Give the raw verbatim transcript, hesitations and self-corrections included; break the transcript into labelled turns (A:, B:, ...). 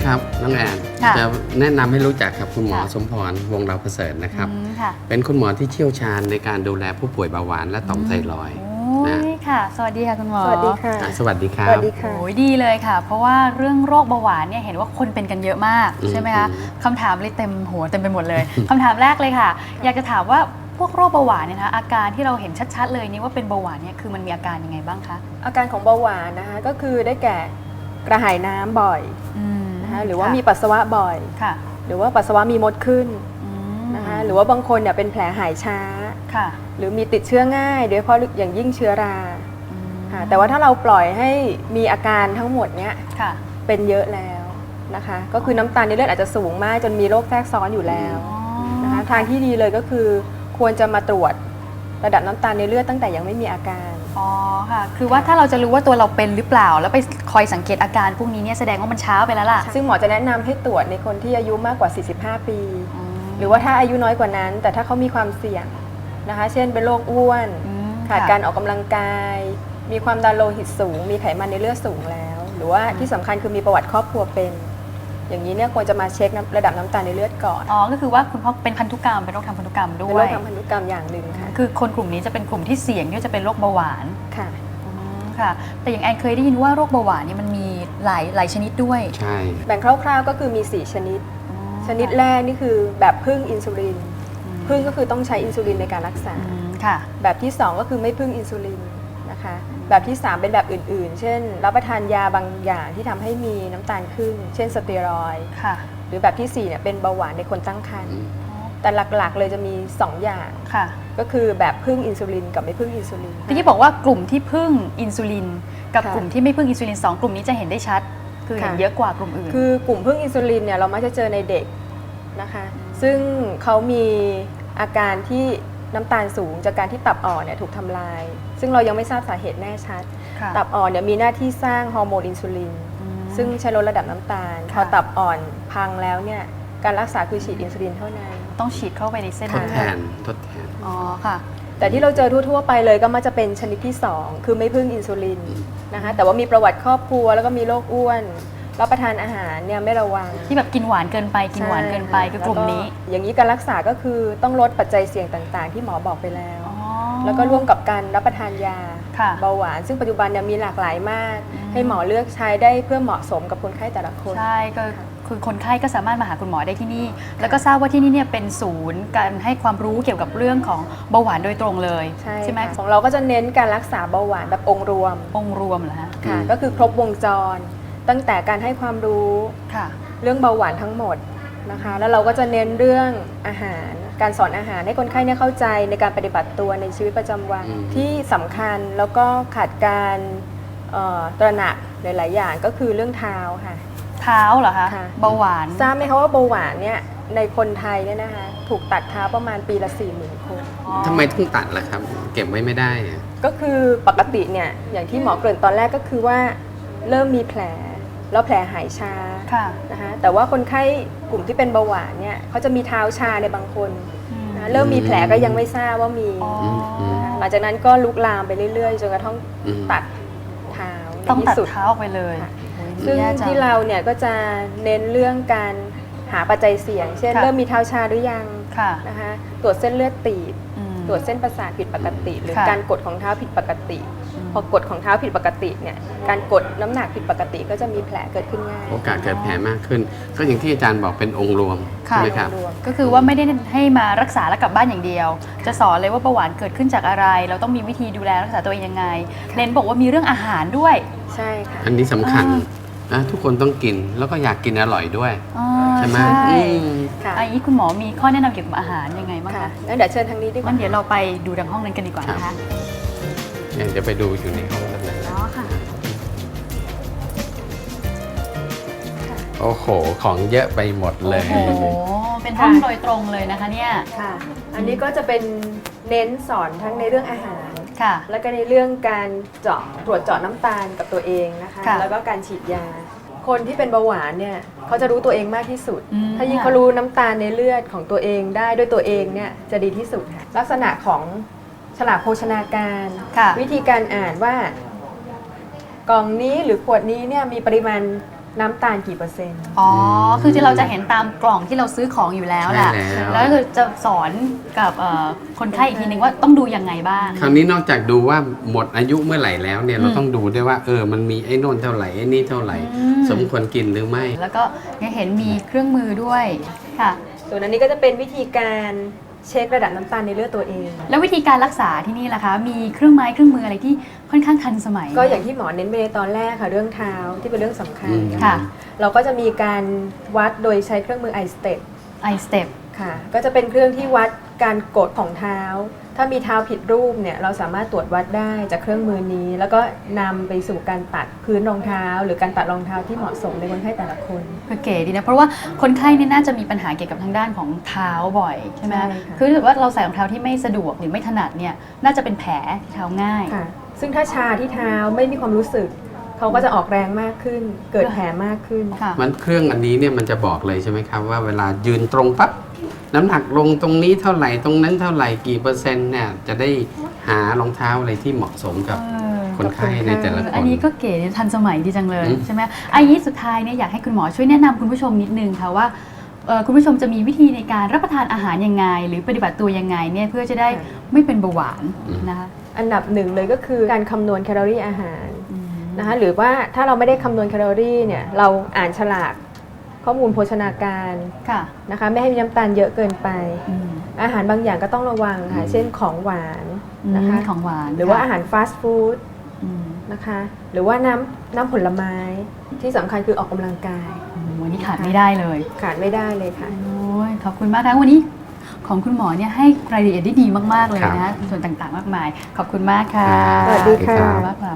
A: ครับน้องแอนจะแนะนำให้รู้จักกับคุณหมอสมพรวงศ์ดาวประเสริฐนะครับเป็นคุณหมอที่เชี่ยวชาญในการดูแลผู้ป่วยเบาหวานและต่อมไทรอยด์นะ
B: ค่ะสวัสดีค่ะคุณหมอ
C: สวัสดีค่ะ
A: สวัสดีครับ
C: สวัสดีค่ะ
B: โอ้ยดีเลยค่ะเพราะว่าเรื่องโรคเบาหวานเนี่ยเห็นว่าคนเป็นกันเยอะมากใช่ไหมคะคำถามเลยเต็มหัวเต็มไปหมดเลยคำถามแรกเลยค่ะอยากจะถามว่าพวกโรคเบาหวานเนี่ยนะอาการที่เราเห็นชัดๆเลยนี่ว่าเป็นเบาหวานเนี่ยคือมันมีอาการยังไงบ้างคะ
C: อาการของเบาหวานนะคะก็คือได้แก่กระหายน้ำบ่อยนะคะหรือว่ามีปัสสาวะบ่อยหรือว่าปัสสาวะมีมดขึ้นนะคะหรือว่าบางคนเนี่ยเป็นแผลหายช้าหรือมีติดเชื้อง่ายโดยเฉพาะอย่างยิ่งเชื้อราแต่ว่าถ้าเราปล่อยให้มีอาการทั้งหมดเนี้ยเป็นเยอะแล้วนะคะก็คือน้ำตาลในเลือดอาจจะสูงมากจนมีโรคแทรกซ้อนอยู่แล้วนะคะทางที่ดีเลยก็คือควรจะมาตรวจระดับน้ำตาลในเลือดตั้งแต่ยังไม่มีอาการ
B: อ๋อค่ะคือว่าถ้าเราจะรู้ว่าตัวเราเป็นหรือเปล่าแล้วไปคอยสังเกตอาการพวกนี้เนี่ยแสดงว่ามันช้าไปแล้วล่ะ
C: ซึ่งหมอจะแนะนำให้ตรวจในคนที่อายุมากกว่าสี่สิบห้าปีหรือว่าถ้าอายุน้อยกว่านั้นแต่ถ้าเขามีความเสี่ยงนะคะเช่นเป็นโรคอ้วนขาดการออกกำลังกายมีความดันโลหิตสูงมีไขมันในเลือดสูงแล้วหรือว่าที่สำคัญคือมีประวัติครอบครัวเป็นอย่างนี้เนี่ยควรจะมาเช็คระดับน้ำตาลในเลือดก่อน
B: อ๋อก็คือว่าคุณพ่อเป็นพันธุกรรมเป็นโรคทางพันธุกรรมด้วย
C: เป็นโรคทางพันธุกรรมอย่างหนึ่งค่ะ
B: คือคนกลุ่มนี้จะเป็นกลุ่มที่เสี่ยงที่จะเป็นโรคเบาหวาน
C: ค่ะ
B: ค่ะแต่อย่างแอนเคยได้ยินว่าโรคเบาหวานนี่มันมีหลายหลายชนิดด้วย
A: ใช่
C: แบ่งคร่าวๆก็คือมีสี่ชนิดชนิดแรกนี่คือแบบพึ่งอินซูลินพึ่งก็คือต้องใช้อินซูลินในการรักษา
B: ค่ะแบบ
C: ที่สองก็คือไม่พึ่งอินซูลินนะคะแบบที่สามเป็นแบบอื่นๆเช่นรับประทานยาบางอย่างที่ทำให้มีน้ำตาลขึ้นเช่นสเตียรอยด์หรือแบบที่สี่เนี่ยเป็นเบาหวานในคนตั้งครรภ์แต่หลักๆเลยจะมีสองอย่างก็คือแบบพึ่งอินซูลินกับไม่พึ่งอินซูลิน
B: ที่บอกว่ากลุ่มที่พึ่งอินซูลินกับกลุ่มที่ไม่พึ่งอินซูลินสองกลุ่มนี้จะเห็นได้ชัดคือเห็นเยอะกว่ากลุ่มอื่น
C: คือกลุ่มพึ่งอินซูลินเนี่ยเรามักจะเจอในเด็กนะคะซึ่งเขามีอาการที่น้ำตาลสูงจากการที่ตับอ่อนเนี่ยถูกทำลายซึ่งเรายังไม่ทราบสาเหตุแน่ชัดตับอ่อนเนี่ยมีหน้าที่สร้างฮอร์โมนอินซูลินซึ่งใช้ลดระดับน้ำตาลพอตับอ่อนพังแล้วเนี่ยการรักษาคือฉีดอินซูลินเท่านั้น
B: ต้องฉีดเข้าไปในเส้น
A: ทดแทนทดแทน
B: อ๋อค่ะ
C: แต่ที่เราเจอทั่วๆไปเลยก็มักจะเป็นชนิดที่สองคือไม่พึ่งอินซูลินนะคะแต่ว่ามีประวัติครอบครัวแล้วก็มีโรคอ้วนรับประทานอาหารเนี่ยไม่ระวัง
B: ที่แบบกินหวานเกินไปกินหวานเกินไปคือกลุ่มนี้
C: อย่างนี้การรักษาก็คือต้องลดปัจจัยเสี่ยงต่างๆที่หมอบอกไปแล้วแล้วก็ร่วมกับการรับประทานยาเบาหวานซึ่งปัจจุบันเนี่ยมีหลากหลายมากให้หมอเลือกใช้ได้เพื่อเหมาะสมกับคนไข้แต่ละคน
B: ใช่ก็คือคนไข้ก็สามารถมาหาคุณหมอได้ที่นี่แล้วก็ทราบว่าที่นี่เนี่ยเป็นศูนย์การให้ความรู้เกี่ยวกับเรื่องของเบาหวานโดยตรงเลยใช่ไหม
C: ของเราก็จะเน้นการรักษาเบาหวานแบบองค์รวม
B: องค์รวมเหรอฮะ
C: ค่ะก็คือครบวงจรตั้งแต่การให้ความรู้เรื่องเบาหวานทั้งหมดนะคะแล้วเราก็จะเน้นเรื่องอาหารการสอนอาหารให้คนไข้เนี่ยเข้าใจในการปฏิบัติตัวในชีวิตประจำวันที่สำคัญแล้วก็ขาดการตระหนักหลายๆอย่างก็คือเรื่องเท้าค่ะ
B: เท้าเหรอคะเบาหวาน
C: ทราบไหมคะว่าเบาหวานเนี่ยในคนไทยเนี่ยนะคะถูกตัดเท้าประมาณปีละสี่หมื่นคน
A: ทำไมต้องตัดล่ะครับเก็บไว้ไม่ได้
C: ก็คือปกติเนี่ยอย่างที่หมอเกริ่นตอนแรกก็คือว่าเริ่มมีแผลแล้วแผลหายชานะคะแต่ว่าคนไข้กลุ่มที่เป็นเบาหวานเนี่ยเขาจะมีเท้าชาในบางคนนะเริ่มมีแผลก็ยังไม่ทราบว่ามีหลังจากนั้นก็ลุกลามไปเรื่อยๆจนกระทั่งตัดเท้า
B: ต้องตัดเท้าไปเลย
C: ซึ่งที่เราเนี่ยก็จะเน้นเรื่องการหาปัจจัยเสี่ยงเช่นเริ่มมีเท้าชาหรือยังนะคะตรวจเส้นเลือดตีบตรวจเส้นประสาทผิดปกติหรือการกดของเท้าผิดปกติพอกดของเท้าผิดปกติเนี่ยการกดน้ำหนักผิดปกติก็จะมีแผลเกิดขึ้นง่าย
A: โอกาสเกิดแผลมากขึ้นก็อย่างที่อาจารย์บอกเป็นองค์รวมใช่ไหมครับ
B: ก็คือว่าไม่ได้ให้มารักษาแล้วกลับบ้านอย่างเดียวจะสอนเลยว่าเบาหวานเกิดขึ้นจากอะไรเราต้องมีวิธีดูแลรักษาตัวเองยังไงเน้นบอกว่ามีเรื่องอาหารด้วย
C: ใช่ค่ะ
A: อันนี้สำคัญนะทุกคนต้องกินแล้วก็อยากกินอร่อยด้วยใช่ไหม
B: ค่ะอันนี้คุณหมอมีข้อแนะนำเกี่ยวกับอาหารยังไงบ้างคะ
C: งั้นเดี๋ยวเชิญทางนี้ดีกว่า
B: งั้นเดี๋ยวเราไปดูทางห้องนั้นกันดีกว่านะคะ
A: เดี๋ยวไปดูอยู่ในห้องนั้นเลย
B: อ๋อค่ะ
A: โอ้โหของเยอะไปหมดเลย
B: โอ้โหเป็นห้องโดยตรงเลยนะคะเนี่ย
C: ค่ะอันนี้ก็จะเป็นเน้นสอนทั้งในเรื่องอาหารแล้วก็ในเรื่องการเจาะตรวจเจาะน้ำตาลกับตัวเองนะคะแล้วก็การฉีดยาคนที่เป็นเบาหวานเนี่ยเขาจะรู้ตัวเองมากที่สุดถ้ายิ่งเขารู้น้ำตาลในเลือดของตัวเองได้ด้วยตัวเองเนี่ยจะดีที่สุดค่ะลักษณะของฉลากโภชนาการวิธีการอ่านว่ากล่องนี้หรือขวดนี้เนี่ยมีปริมาณน้ำตาลกี่เปอร์เซ็นต์
B: อ๋อ คือที่เราจะเห็นตามกล่องที่เราซื้อของอยู่แล้วแหละ
A: ใช่แล้ว
B: แล้วก็คือจะสอนกับเอ่อคนไข้อีกทีนึงว่าต้องดูยังไงบ้าง
A: คราวนี้นอกจากดูว่าหมดอายุเมื่อไหร่แล้วเนี่ย
B: อืม
A: เราต้องดูด้วยว่าเออมันมีไอ้โน่นเท่าไหร่ไอ้นี่เท่าไหร่
B: อืม
A: สมควรกินหรือไม่
B: แล้วก็ยังเห็นมีเครื่องมือด้วยค่ะ
C: ส่วนอันนี้ก็จะเป็นวิธีการเช็คระดับน้ำตาลในเลือดตัวเอง
B: แล้ววิธีการรักษาที่นี่ล่ะคะ มีเครื่องไม้เครื่องมืออะไรที่ค่อนข้างทันสมัย
C: ก็อย่างที่หมอเน้นไปในตอนแรกค่ะเรื่องเท้าที่เป็นเรื่องสำคัญ
A: อืม
C: นะ
B: ค่ะ
C: คะเราก็จะมีการวัดโดยใช้เครื่องมือ iStep
B: i step
C: ค่ะก็จะเป็นเครื่องที่วัดการกดของเท้า ถ้ามีเท้าผิดรูปเนี่ยเราสามารถตรวจวัดได้จากเครื่องมือนี้ แล้วก็นำไปสู่การตัดพื้นรองเท้า หรือการตัดรองเท้าที่เหมาะสมในคนไข้แต่ละคน
B: คือเก๋ดีนะ เพราะว่าคนไข้เนี่ยน่าจะมีปัญหาเกี่ยวกับทางด้านของเท้าบ่อยใช่ไหม
C: ใช่ค่ะ
B: คือถ้าเกิดว่าเราใส่รองเท้าที่ไม่สะดวกหรือไม่ถนัดเนี่ยน่าจะเป็นแผลที่เท้าง่าย
C: ค่ะซึ่งถ้าชาที่เท้าไม่มีความรู้สึก เขาก็จะออกแรงมากขึ้น เกิดแผลมากขึ้น
B: ค่ะ
A: มันเครื่องอันนี้เนี่ยมันจะบอกเลยใช่ไหมครับว่าเวลายืนตรงปั๊บน้ำหนักลงตรงนี้เท่าไหร่ตรงนั้นเท่าไหร่กี่เปอร์เซ็นต์เนี่ยจะได้หารองเท้าอะไรที่เหมาะสมกับ
B: เออ
A: คนไข้ในแต่ละค
B: อัน
A: น
B: นี้ก็เก๋ดีทันสมัยดีจังเลย
A: อืม
B: ใช่ไหมอันนี้สุดท้ายเนี่ยอยากให้คุณหมอช่วยแนะนำคุณผู้ชมนิดนึงค่ะว่าเอ่อคุณผู้ชมจะมีวิธีในการรับประทานอาหารยังไง หรือปฏิบัติตัวยังไงเนี่ยเพื่อจะได้
C: ค่ะ
B: ไม่เป็นเบาหวานนะคะ
C: อันดับหนึ่งเลยก็คือการคำนวณแคลอรี่อาหาร
B: อืม
C: นะคะหรือว่าถ้าเราไม่ได้คำนวณแคลอรี่เนี่ยเราอ่านฉลากข้อมูลโภชนาการ
B: ค่ะ
C: นะคะไม่ให้มีน้ำตาลเยอะเกินไป
B: อืม
C: อาหารบางอย่างก็ต้องระวังค่ะ
A: อืม
C: เช่นของหวานนะคะ
B: ของหวาน
C: หรือว่า
B: ค่ะ
C: อาหารฟาสต์ฟู้ด
B: อืม
C: นะคะหรือว่าน้ำน้ำผลไม้ที่สำคัญคือออกกำลังกาย
B: โอ้โหวันนี้ขาดไม่ได้เลย
C: ขาดไม่ได้เลยค่ะ
B: โอ้ยขอบคุณมากทั้งวันนี้ของคุณหมอเนี่ยให้รายละเอียดได้ดีมากๆเลย
A: ครั
B: นะ
A: บ
B: ส่วนต่างๆมากมาย ขอบคุณมากค่ะ
C: สวัสดีค่ะ
B: มากค่ะ